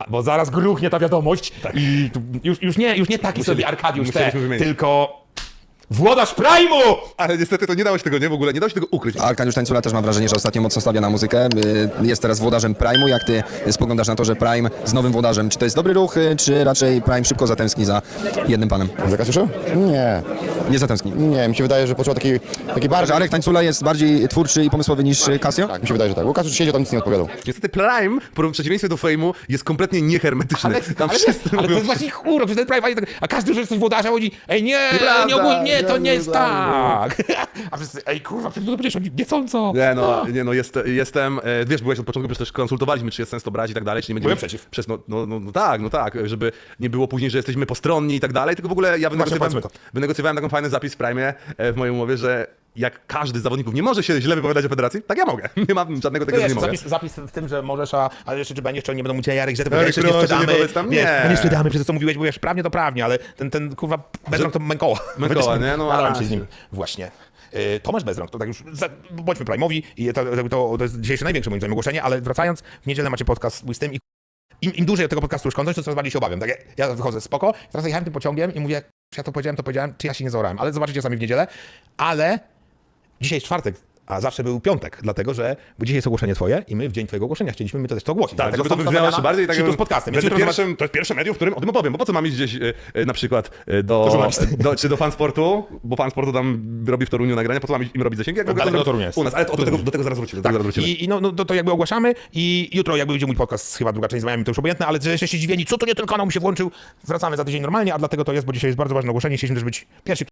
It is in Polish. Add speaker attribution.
Speaker 1: bo zaraz gruchnie ta wiadomość i już nie taki sobie Arkadiusz tylko włodarz Prime'u!
Speaker 2: Ale niestety to nie dało się tego, nie? W ogóle nie dało się tego ukryć.
Speaker 3: Arkadiusz Tańcula też mam wrażenie, że ostatnio mocno stawia na muzykę. Jest teraz włodarzem Prime'u. Jak ty spoglądasz na to, że Prime z nowym włodarzem, czy to jest dobry ruch, czy raczej Prime szybko zatęskni za jednym panem?
Speaker 4: Za Kasiuszem? Nie.
Speaker 3: Nie zatęskni.
Speaker 4: Nie, mi się wydaje, że poczuł taki bardziej...
Speaker 3: Arek Tańcula jest bardziej twórczy i pomysłowy niż Casio?
Speaker 4: Tak, mi się wydaje, że tak. Bo Kasiusz siedział tam, nic nie odpowiadał.
Speaker 2: Niestety Prime, w przeciwieństwie do Frame'u, jest kompletnie niehermetyczny.
Speaker 1: Ale to jest właśnie chóro, przecież ten Prime, a każdy, że jesteś włodarzem, chodzi, ej nie, nie, to nie jest tak. A wszyscy, ej kurwa, przecież to będziesz niecąco.
Speaker 2: Jestem, wiesz, byłeś od początku, przecież też konsultowaliśmy, czy jest sens to brać i tak dalej, czy nie będziemy...
Speaker 1: Byłem przeciw.
Speaker 2: No tak, żeby nie było później, że jesteśmy postronni i tak dalej, tylko w ogóle ja wynegocjowałem taką fajny zapis w Prime w mojej umowie, że jak każdy z zawodników nie może się źle wypowiadać o federacji, tak ja mogę. Nie mam żadnego tego, że nie mogę.
Speaker 1: Zapis w tym, że możesz, ale jeszcze czy będziesz, czy nie będą mówić, Jarek, że ty
Speaker 2: Jarek,
Speaker 1: powiedziałeś, że nie
Speaker 2: proszę,
Speaker 1: sprzedamy.
Speaker 2: nie powiedz tam, nie.
Speaker 1: Nie sprzedamy, przez to co mówiłeś, bo wiesz, prawnie to prawnie, ale ten kurwa Bezrąk to Mękoła.
Speaker 2: Mękoła, nie? No,
Speaker 1: ale się z nim. Właśnie. Tomasz Bezrąk, to tak już, bądźmy Prime'owi i to jest dzisiejsze największe moim zdaniem ogłoszenie, ale wracając, w niedzielę macie podcast mój z tym i im dłużej od tego podcastu już kończysz, to coraz bardziej się obawiam. Tak, ja wychodzę spoko, teraz jechałem tym pociągiem i mówię, czy ja to powiedziałem, czy ja się nie zaorałem, ale zobaczycie sami w niedzielę, ale dzisiaj jest czwartek, a zawsze był piątek, dlatego że bo dzisiaj jest ogłoszenie twoje i my w dzień twojego ogłoszenia chcieliśmy my to też to ogłosić.
Speaker 2: Tak, żeby to wybrzmiało jeszcze bardziej. Tak,
Speaker 1: z podcastem.
Speaker 2: To jest pierwsze medium, w którym o tym opowiem, bo po co mam iść gdzieś na przykład czy do Fansportu, bo Fansportu tam robi w Toruniu nagrania, po co mam im robić zasięgi? Jak
Speaker 1: daleko do Torunia jest.
Speaker 2: U nas, ale do tego zaraz wrócimy.
Speaker 1: I to jakby ogłaszamy i jutro jakby będzie mój podcast, chyba druga część z Miami, to już obojętne, ale że jesteście zdziwieni, co to nie ten kanał mi się włączył, wracamy za tydzień normalnie, a dlatego to jest, bo dzisiaj jest bardzo ważne ogłoszenie, chcieliśmy też być pierwsi